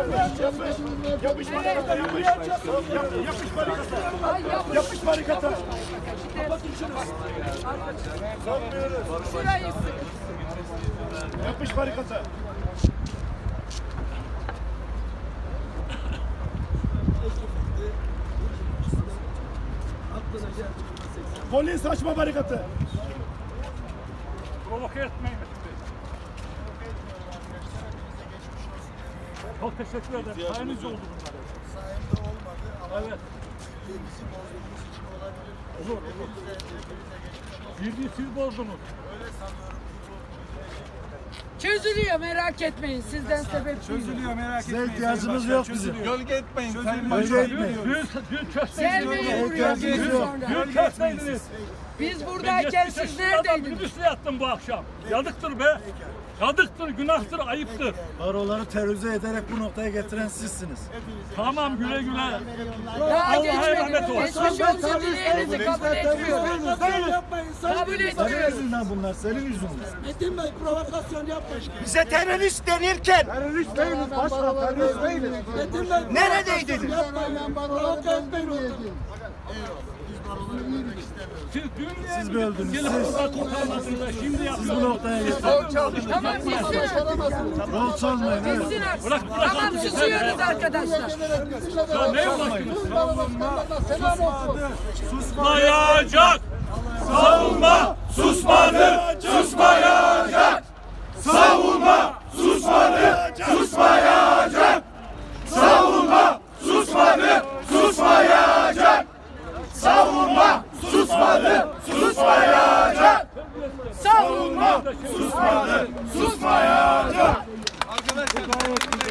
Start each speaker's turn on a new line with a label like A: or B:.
A: Yapış barikata, yapış. Yapış barikata. Yapış barikata. Kapatın şunu. Sokmuyoruz.
B: Şurayı sıkın.
A: Yapış barikata. Polis açma barikatı.
C: Provoke etmeyin. Çok teşekkür ederim. Sayenizde oldu bunlar.
D: Sayemde olmadı ama
C: Evet.
D: bizi bozduğumuz için olabilir.
C: Olur.
D: Hepinize geçmiş olsun.
C: Birliği siz bozdunuz.
D: Öyle sanıyorum ki bu
B: Çözülüyor, merak etmeyin. Sizden sebep değil.
E: Çözülüyor, merak etmeyin.
A: Size ihtiyacımız yok bizim.
E: Gölge etmeyin. Sayın
A: Gölge
E: Başkan.
A: etmeyin.
C: Dün kösteydiniz.
B: Gelmeyin buraya bir gün sonra.
C: Dün kösteydiniz.
B: Biz buradayken siz neredeydiniz?
C: Minibüsle yattım bu akşam. Yazıktır be. Yazıktır, günahtır, ayıptır.
A: Baroları terörize ederek bu noktaya getiren sizsiniz.
C: Tamam, güle güle.
B: Daha
C: Allah'a
B: geçmedi.
C: emanet ol.
B: Geçmiş olsun dileğinizi kabul etmiyorum. Kabul
A: Senin
B: etmiyorum.
A: yüzünden bunlar, senin yüzünden.
D: Metin Bey provokasyon yapmış.
F: Bize terörist denirken
A: Terörist değiliz başkan, terörist değiliz.
D: Metin Bey
F: neredeydiniz?
D: yapmayın. Provoke etmeyin ortamı.
A: Siz mi öldünüz?
C: Gelip
A: Siz.
C: burada kurtarmadınız. Şimdi
A: Siz bu
C: yapıyorsunuz.
A: noktaya getirdiniz.
B: Tamam bitsin artık.
A: Rol çalmayın. Evet.
B: Bitsin artık.
C: Bırak, bırak
B: Tamam
C: artık.
B: susuyoruz arkadaşlar.
C: Ya ne uğraştınız?
A: Susmayacak! Savunma susmadı! Susmayacak! Savunma susmadı! Susmayacak! Savunma susmadı! Susmayacak! Savunma susmadı! Susmayacak! Savunma susmadı! Susmayacak!
E: Arkadaşlar.